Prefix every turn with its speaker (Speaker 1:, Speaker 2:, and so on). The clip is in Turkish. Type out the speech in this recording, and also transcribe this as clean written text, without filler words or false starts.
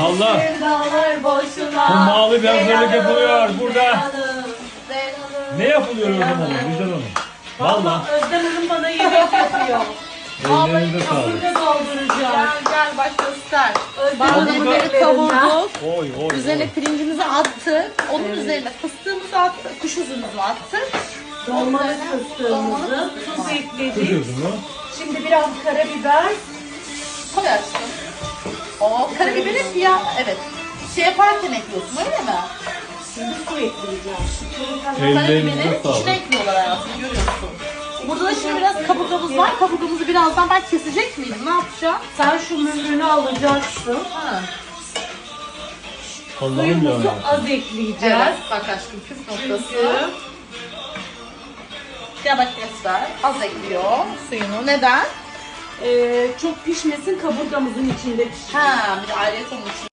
Speaker 1: Allah.
Speaker 2: Sevdalar boşuna.
Speaker 1: Hummalı bir hazırlık yapılıyor burada.
Speaker 2: Hanım.
Speaker 1: Ne yapılıyor o zaman Vicdan Hanım? Valla.
Speaker 2: Özlem Hanım bana yemek yapıyor.
Speaker 1: Ellerinize sağlık.
Speaker 2: Şimdi dolduracağım.
Speaker 3: Gel baş göster.
Speaker 2: Özlem
Speaker 1: Bak,
Speaker 2: Hanım'ın
Speaker 1: bak.
Speaker 3: Bunları
Speaker 2: ellerinden.
Speaker 3: kavurduk.
Speaker 1: Oy oy
Speaker 3: Üzerine
Speaker 1: oy.
Speaker 3: pirincimizi attık. Onun üzerine fıstığımızı attık. Kuş üzümümüzü attık.
Speaker 2: Dolmalık fıstığımızı, tuz
Speaker 1: Kuş
Speaker 2: ekledik.
Speaker 1: üzümü.
Speaker 2: Şimdi biraz karabiber.
Speaker 3: Koy aşkım. O karabiberi evet. Şey yaparken ekliyorsun öyle mi?
Speaker 2: Şimdi su ekleyeceğim.
Speaker 1: Ellerinize
Speaker 3: Karabiberi içine
Speaker 1: sağlık.
Speaker 3: ekliyorlar hayatım görüyorsun. Burada da şimdi biraz kaburgamız var. Kaburgamızı birazdan ben kesecek miyim? Ne yapacağım?
Speaker 2: Sen şu mührünü alacaksın.
Speaker 3: Ha.
Speaker 1: Allah'ım
Speaker 2: Suyumuzu
Speaker 1: ya.
Speaker 2: az ekleyeceğiz.
Speaker 3: Evet. Bak aşkım püf noktası.
Speaker 2: Çünkü
Speaker 3: Ya bak göster. Az ekliyor suyunu. Neden?
Speaker 2: çok pişmesin, kaburgamızın içinde pişsin.
Speaker 3: Ha, bir alet onun için.